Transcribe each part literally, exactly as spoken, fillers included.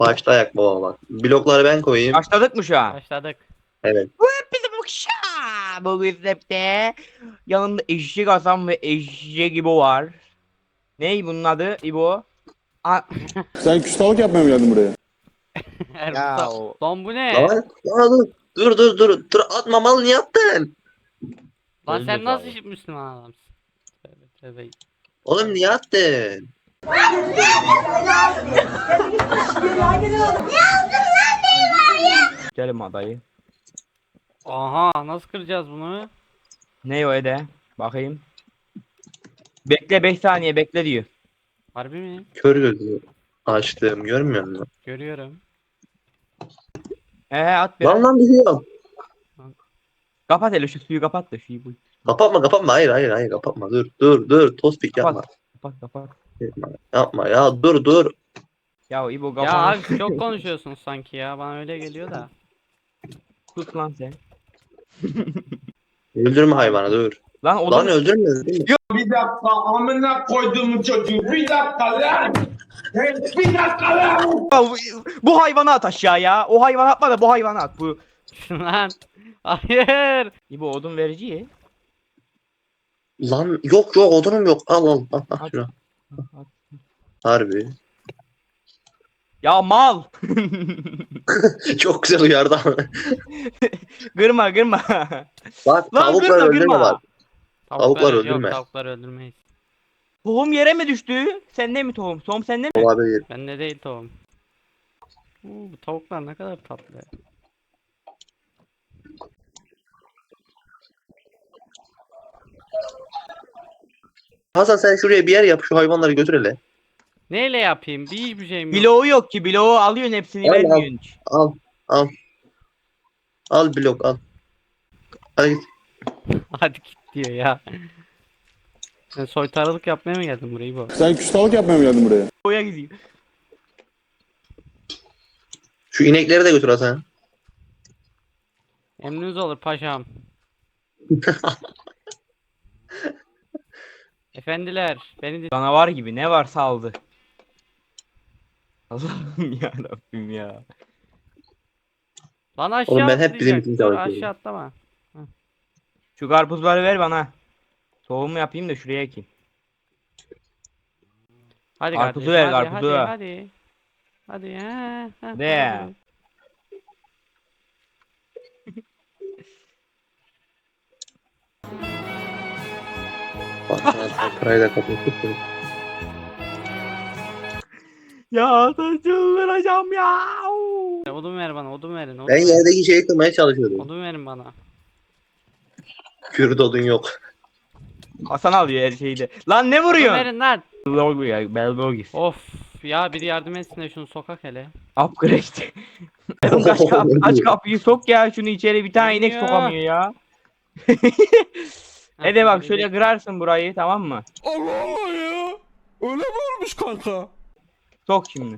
Başlayak baba bak. Blokları ben koyayım. Başladık mı şu an? Başladık. Evet. Bizim uşağı bu recepte yanında eşek Hasan ve eşek İbo var. Ney bunun adı İbo? A Sen küstahlık yapmaya mı geldin buraya? Erbusta. ya o. Lan bu ne? Lan, lan dur dur dur dur atma mal niye attın? Lan sen Öldü nasıl abi. Müslüman adamsın? Tövbe tövbe. Oğlum niye attın? Gelin adayı. Aha nasıl kıracağız bunu? Ne o Ede? Bakayım. Bekle beş saniye bekle diyor. Harbi mi? Kör gözü açtım görmüyor musun? Görüyorum. Ee at bir. Lan lan biliyorum. Kapat hele şu suyu kapat da suyu bu. Kapatma kapatma hayır hayır hayır kapatma dur dur dur tospik yapma. Kapat. Kapat kapat. Yapma, yapma ya dur dur. Ya İbo Ya kapat. abi çok konuşuyorsunuz sanki ya. Bana öyle geliyor da. Sus lan sen. Öldürme hayvanı dur. Lan odun. Lan öldürme. değil mi? Bir dakika amına koyduğumu çocuğu. Bir dakika lan. Bir dakika lan. Ya bu, bu hayvanı at aşağıya. O hayvanı atma da bu hayvanı at. Bu. Lan. Hayır. İbo odun verici ye. Lan yok yok odunum yok. Al al al, al At. şunu. At. Harbi. Ya mal. Çok güzel uyardı ama. Gırma gırma. Bak Lan tavuklar gırma öldürme gırma. bak. Tavuklar yok, öldürme. Tavuklar öldürmeyiz. Tohum yere mi düştü? Sende mi tohum? Tohum sende mi? Olabilir. Bende değil tohum. Oo, bu tavuklar ne kadar tatlı. Hasan sen şuraya bir yer yap şu hayvanları götür hele. Neyle yapayım? Bir hiçbir şeyim yok. Bloğu yok ki. Bloğu alıyorsun hepsini Al, al. vermiyorsun hiç. Al al. Al blok al. Hadi git. Hadi git diyor ya. Sen soytarılık yapmaya mı geldin burayı bu? Sen küstahlık yapmaya mı geldin buraya? Oya gidiyor. Şu inekleri de götür Hasan. Emriniz olur paşam. Efendiler beni de... Canavar gibi ne var saldı. Allah'ım ya Rabbim ya. Lan aşağı Oğlum ben hep bizim atlayacak. için Dur çalışıyorum. aşağı atlama. Şu karpuzları ver bana. Tohumu yapayım da şuraya ekeyim. Hadi Karpuzu kardeşim ver, hadi karpuzu. hadi hadi. Hadi ha. ha, De. hadi. Bak sen parayı da kapattık. Ya çıldıracağım ya. Odun ver bana odun verin. Odun, Ben verin. yerdeki şeyi kırmaya çalışıyordum. Odun verin bana. Kürt odun yok. Hasan alıyor her şeyi de. Lan ne Odun vuruyorsun? verin lan. Logo ya, Belbogis. Of ya biri yardım etsin de şunu sokak hele. Upgrade. Oğlum aç, kap aç kapıyı sok ya şunu içeri bir tane inek Ya. sokamıyor ya. Ha, Ede bak biri şöyle de- kırarsın burayı tamam mı? Allah Allah ya. Öyle mi olmuş kanka? Sok şimdi.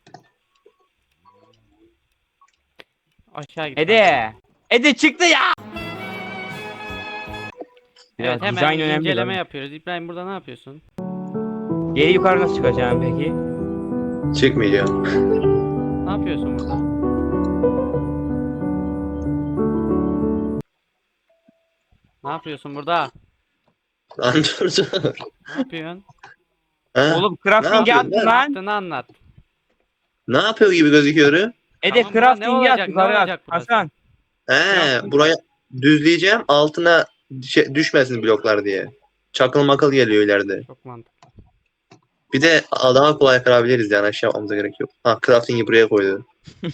Aşağı git. Ede. Ede çıktı ya. Evet Biraz hemen dizayn önemli inceleme lan. yapıyoruz. İbrahim burada ne yapıyorsun? Geri yukarı nasıl çıkacağım peki? Çıkmayacağım. Ne yapıyorsun burada? Ne yapıyorsun burada? Lan dur dur. Ne yapıyorsun? Ha? Oğlum Ne crafting'i yapıyorsun attın lan? lan. Yaptığını anlat. Ne yapıyor gibi gözüküyor? Ede Tamam, buna ne crafting'i olacak, at ne yukarı at. olacak burası? Hasan. He buraya düzleyeceğim altına şey, düşmesin bloklar diye. Çakıl makıl geliyor ileride. Çok mantıklı. Bir de daha kolay kırabiliriz yani aşağı yapmamıza gerek yok. Ha crafting'i buraya koydu.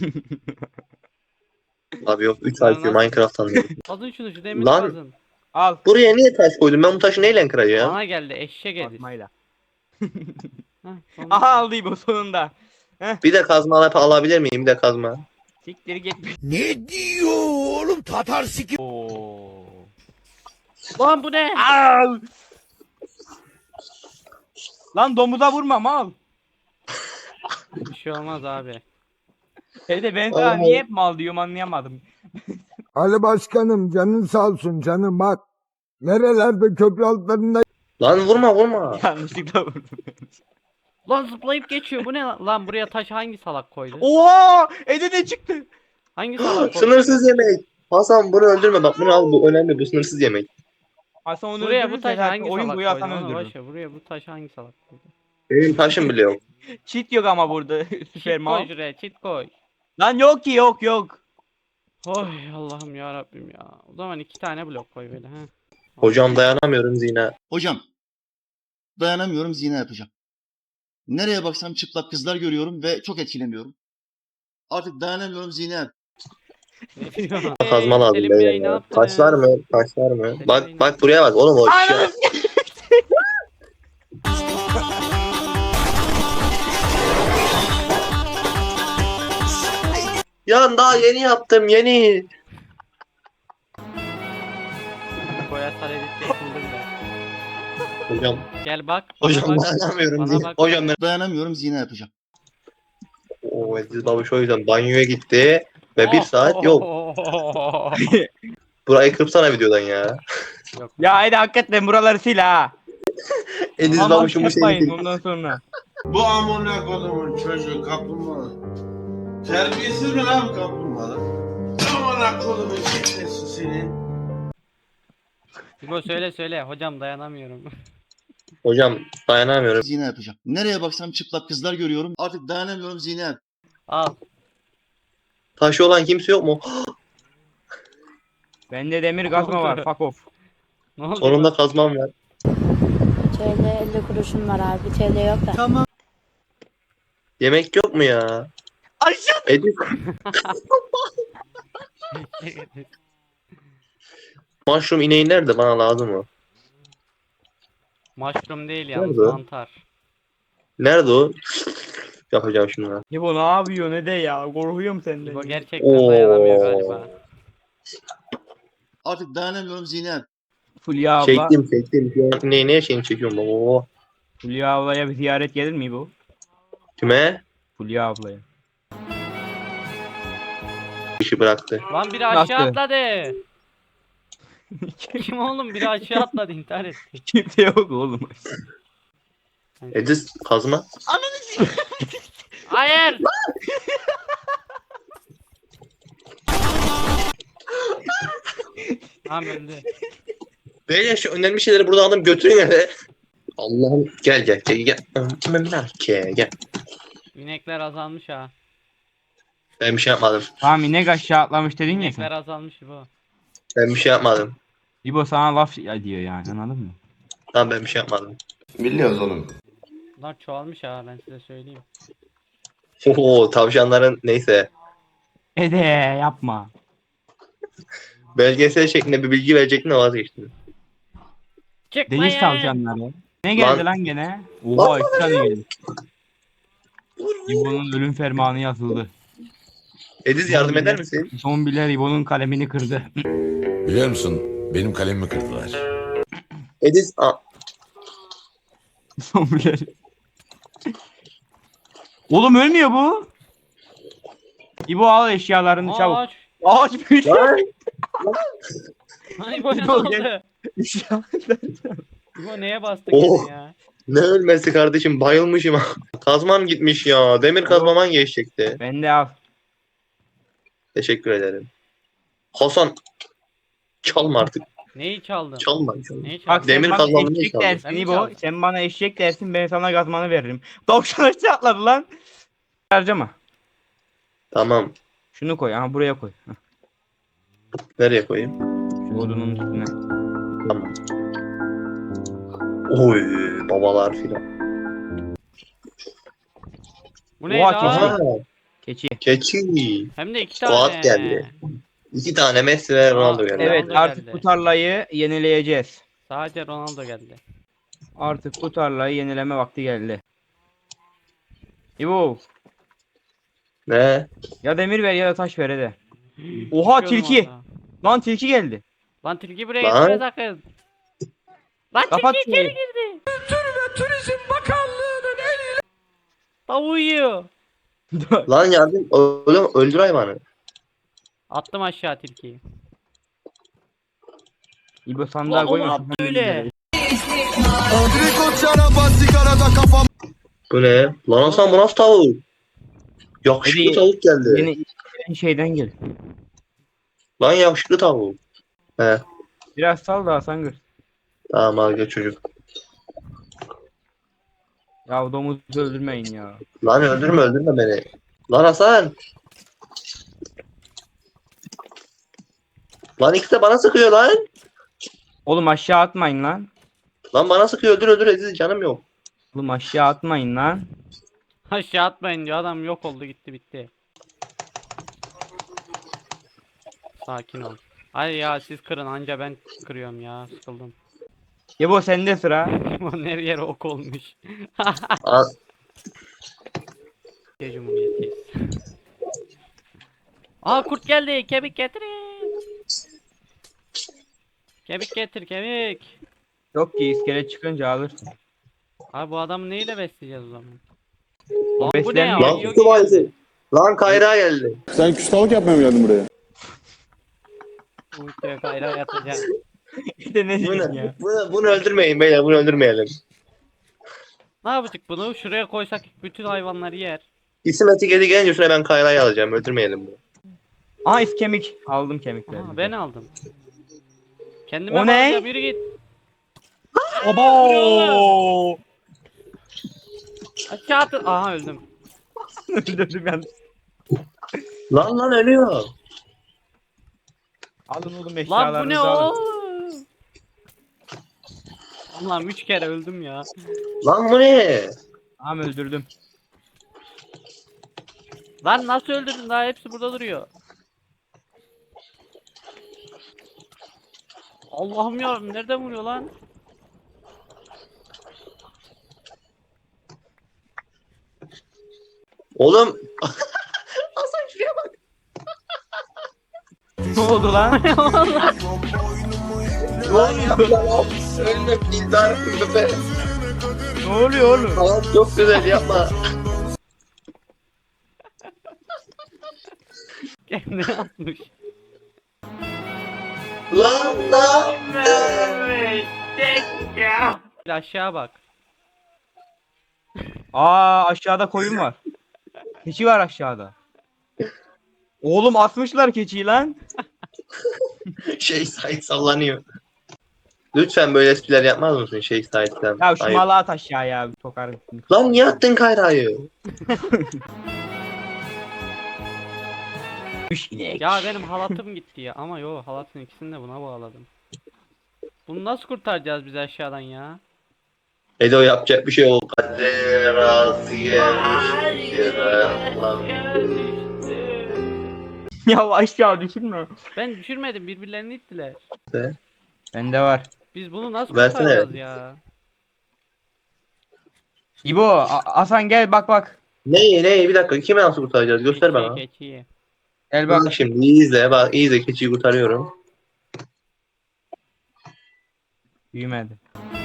Abi yok üç Lan I Q nasıl- Minecraft anladım. Kazın şunu şu demir Lan. kazın. Al. Buraya niye taş koydun? Ben bu taşı neyle kıracağım? Bana geldi eşek edin. Atmayla. Heh, sonunda. Aha aldı bu sonunda. Bir de kazma alıp alabilir miyim? Bir de kazma. Siktir git. Ne diyor oğlum Tatar siki? Oo. Lan bu ne? Al. Lan domuza vurma mal. Bir şey olmaz abi. Ede ben sana Ay. niye hep mal diyorum anlayamadım. Ali Başkanım canın sağ olsun canım bak. Nerelerde köprü altlarında Lan vurma vurma. Yanlışlıkla vurdum. Lan zıplayıp geçiyor. Bu ne lan? Lan buraya taş hangi salak koydu? Oha! Ede ne çıktı? Hangi salak koydu? Sınırsız yemek. Hasan bunu öldürme bak bunu al bu önemli bu sınırsız yemek. Hasan onu Buraya bu öldürürse taş zaten hangi oyun salak boyu koydu? Hasan Onu öldürür. boş ver. Buraya bu taş hangi salak koydu? Benim taşım bile yok. Cheat yok ama burada. Süper Çit koy mal. şuraya, çit koy. Lan yok ki yok yok. Oy Allah'ım ya Rabbim ya. O zaman iki tane blok koy böyle ha. Hocam dayanamıyorum zina. Hocam, dayanamıyorum, zina yapacağım. Nereye baksam çıplak kızlar görüyorum ve çok etkileniyorum. Artık dayanamıyorum, zina yap. Ne diyor? Kazma lazım. Selim Bey, beyler ne ya. yaptınız? Taşlar mı? Taşlar mı? Selim Bey, Bak ne bak buraya bak oğlum o şey. Ananı Ya daha yeni yaptım yeni. Boya saledette yapıldım ben. Hocam Gel bak. Bana hocam bak. dayanamıyorum. Bana zina. bak. Hocam ben Dayanamıyorum, zina yapacağım. o Ediz babuş o yüzden banyoya gitti ve Oh, bir saat yok. Burayı kırpsana videodan ya. Yok. Ya Ede hakikaten buraları sil ha. Ediz Aman babuşun bu yapmayın şeyini. ondan sonra. Bu amına kodumun çocuğu kaplumbağa. Terbiyesiz mi lan kaplumbağa? Amına kodumun şişesi seni. İbo söyle söyle. Hocam dayanamıyorum. Hocam dayanamıyorum. Zina yapacağım. Nereye baksam çıplak kızlar görüyorum. Artık dayanamıyorum, zina yap. Al. Taşı olan kimse yok mu? Bende demir kazma var. Fuck off. Ne oldu? Sonunda kazmam var. T L elli kuruşum var abi. T L yok da. Yemek yok mu ya? Aşağı. Ediz mushroom ineği nerede? Bana lazım o. Mushroom değil yalnız Nerede? mantar. Nerede o? Yapacağım şimdi. ben. İbo ne yapıyor ne de ya? Korkuyorum senden. İbo gerçekten dayanamıyor galiba. Artık dayanamıyorum, zina yap. Fulya abla. Çektim çektim. Şu an ineği ne şeyini çekiyorum baba. Oo. Fulya ablaya bir ziyaret gelir mi bu? Kime? Fulya ablaya. İşi bıraktı. Lan biri aşağı Nasıl? atladı. Kim oğlum biri aşağı atladı intihar etti. Kimse yok oğlum. Ediz kazma. Hayır. Tamam öldü. Beyler şu önemli şeyleri burada aldım götürün hele. Allah'ım gel gel gel gel. Gel gel. İnekler azalmış ha. Ben bir şey yapmadım. Tamam inek aşağı atlamış dedin ya İnekler sen. azalmış bu. Ben bir şey yapmadım. İbo sana laf ya diyor yani anladın mı? Tamam ben bir şey yapmadım. Biliyoruz oğlum. Bunlar çoğalmış ha ben size söyleyeyim. Oo tavşanların neyse. Ede yapma. Belgesel şeklinde bir bilgi verecektim de vazgeçtim. Çıkmayın. Deniz tavşanları. Ne geldi Lan- lan gene? Oha iki tane geldi. İbo'nun ölüm fermanı yazıldı. Ediz yardım eder misin? Zombiler İbo'nun kalemini kırdı. Biliyor musun? Benim kalemimi kırdılar. Ediz a- Zombiler. Oğlum ölmüyor bu. İbo al eşyalarını çabuk. Ağaç. Ağaç büyüdü. Lan! Ay bu ne İbo oldu? gel. Bu neye bastık Oh. yine ya? Ne ölmesi kardeşim bayılmışım. Kazmam gitmiş ya. Demir kazmaman geçecekti. Ben de al. Teşekkür ederim. Hasan çalma artık. Neyi çaldın? Çalma. çalma. Neyi çaldın? Bak Demir sen bana kazmanı niye eşek çaldın? dersin Ben mi İbo. çaldım? Sen bana eşek dersin ben sana gazmanı veririm. Tavşan aşağı atladı lan. Harcama. Tamam. Şunu koy ama buraya koy. Heh, Nereye koyayım? şu odunun üstüne. Tamam. Oy babalar filan. Bu ne Oha, lan? Aha, Keçi. keçi. Hem de iki tane. Fuat geldi. İki tane Messi ve Ronaldo geldi. Evet Ronaldo artık geldi. bu tarlayı yenileyeceğiz. Sadece Ronaldo geldi. Artık bu tarlayı yenileme vakti geldi. İbo. Ne? Ya demir ver ya da taş ver hadi. Oha Düşüyordum tilki. orada. Lan tilki geldi. Lan tilki buraya Lan. gitme sakın. Lan Kapat tilki içeri şurayı. girdi. Tavuğu yiyor. Lan yardım. Oğlum öldür hayvanı. Attım aşağı tilkiyi. İbo sandığa Lan o ne koyma. yaptı öyle? Bu ne? Lan Hasan bu nasıl tavuk? Yakışıklı Hadi, tavuk geldi. Yeni yeni şeyden gel. Lan yakışıklı tavuk. He. Biraz sal da Hasan gör. Tamam al gel çocuk. Ya domuzu öldürmeyin ya. Lan öldürme öldürme beni. Lan Hasan. Lan ikisi de bana sıkıyor lan. Oğlum aşağı atmayın lan. Lan bana sıkıyor öldür öldür Aziz canım yok. Oğlum aşağı atmayın lan. Aşağı atmayın diyor, adam yok oldu gitti bitti. Sakin ol. Ay ya siz kırın, anca ben kırıyorum ya, sıkıldım. Yebo sende sıra. Her yere ok olmuş. Al. Türkiye Cumhuriyeti'yiz. Aa kurt geldi, kemik getirin. Kemik getir kemik. Yok ki iskelet çıkınca alırsın. Abi bu adamı neyle besleyeceğiz o zaman? O Lan bu ne ya? beslenmiyor. Lan Yogi kutu geldi. bayisi. Lan Kayra geldi. Sen küstahlık yapmaya mı geldin buraya? Uykuya kayra yatacağım. İşte ne Bunu, diyeyim ya. bunu, bunu öldürmeyin beyler bunu öldürmeyelim. Ne yapacak bunu? Şuraya koysak bütün hayvanları yer. İsim etiketi gelince şuna ben Kayra'yı alacağım öldürmeyelim bunu. Aa is kemik. Aldım kemikleri. Aa, ben aldım. Kendime O ne? bakacağım, yürü git. Obo! Aşağı atın. Aha öldüm. Öldürdüm ben. Lan lan ölüyor. Alın oğlum Lan eşyalarınızı bu ne alın. o? Allah'ım üç kere öldüm ya. Lan bu ne? Tamam öldürdüm. Lan nasıl öldürdün, daha hepsi burada duruyor. Allah'ım ya, nereden vuruyor lan? Oğlum. Ne oldu lan? Ne oluyor lan? Ölme pildar köpe. Ne oluyor oğlum? Hayat çok güzel yapma. Kendini atmış. Lan lan. Bir aşağı bak. Aa aşağıda koyun var. Keçi var aşağıda. Oğlum atmışlar keçiyi lan. Şey Sait sallanıyor. Lütfen böyle espriler yapmaz mısın şey Sait'ten? Ya şu Hayır. malı at aşağıya sokarım. Lan niye attın Kayra'yı? Üç inek. Ya benim halatım gitti ya. Ama yo, halatın ikisini de buna bağladım. Bunu nasıl kurtaracağız biz aşağıdan ya? Edo yapacak bir şey yok. Kader razı gelmiş. Lan. Ya aşağı düşünme. Ben düşürmedim, birbirlerini ittiler. Bende var. Biz bunu nasıl Versene. kurtaracağız ya? İbo, A- Hasan gel bak bak. Neyi neyi bir dakika kime nasıl kurtaracağız göster bana. Keçiyi, keçiyi. Gel Bak bak. şimdi iyi izle bak iyi izle keçiyi kurtarıyorum. Büyümedi.